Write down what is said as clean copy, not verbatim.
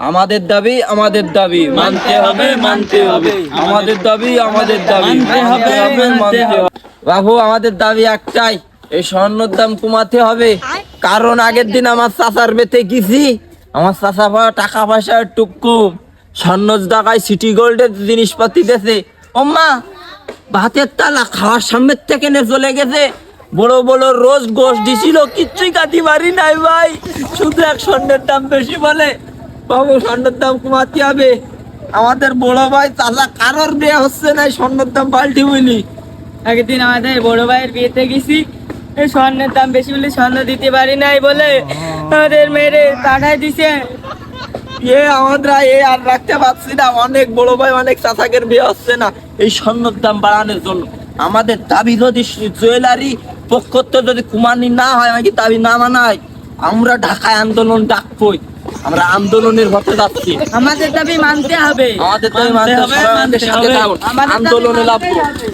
আমাদের দাবি আমাদের দাবি মানতে হবে মানতে হবে আমাদের দাবি আমাদের দাবি মানতে হবে মানতে হবে। বাবু আমাদের দাবি একটাই, এই স্বর্ণের দাম কমাতে হবে। কারণ আগের দিন আমার চাচার বেতে গেছি, আমার চাচা টাকা পয়সা একটু কম, স্বর্ণ টাকায় সিটি গোল্ডের জিনিসপাতি দিয়েছে। ও মা, ভাতের তালা খাওয়ার সামনের থেকে নে চলে গেছে। বড় বড় রোজ গোশ দিছিল, কিচ্ছুই কাটি পারি নাই ভাই। শুধু এক স্বর্ণের দাম বেশি বলে। বাবু স্বর্ণের দাম কমাতে হবে। আমাদের বড় ভাই চাচা কারোর বিয়ে হচ্ছে না, স্বর্ণের দাম পাল্টি বলি। একদিন আমাদের বড় ভাইয়ের বিয়েতে গেছি, এই স্বর্ণের দাম বেশি বলে স্বর্ণ দিতে পারি নাই বলে আমাদের মেরে পাঠাই দিছে। আমরা আর রাখতে পারছি না, অনেক বড় ভাই অনেক চাচাকের বিয়ে হচ্ছে না এই স্বর্ণের দাম বাড়ানোর জন্য। আমাদের দাবি যদি জুয়েলারি পক্ষ থেকে যদি কুমানি না হয়, আমাকে দাবি না মানায়, আমরা ঢাকায় আন্দোলন ডাকবই। আমরা আন্দোলনের পথে যাচ্ছি। আমাদের দাবি মানতে হবে, আমাদের দাবি মানতে হবে, আন্দোলনে লাভবো।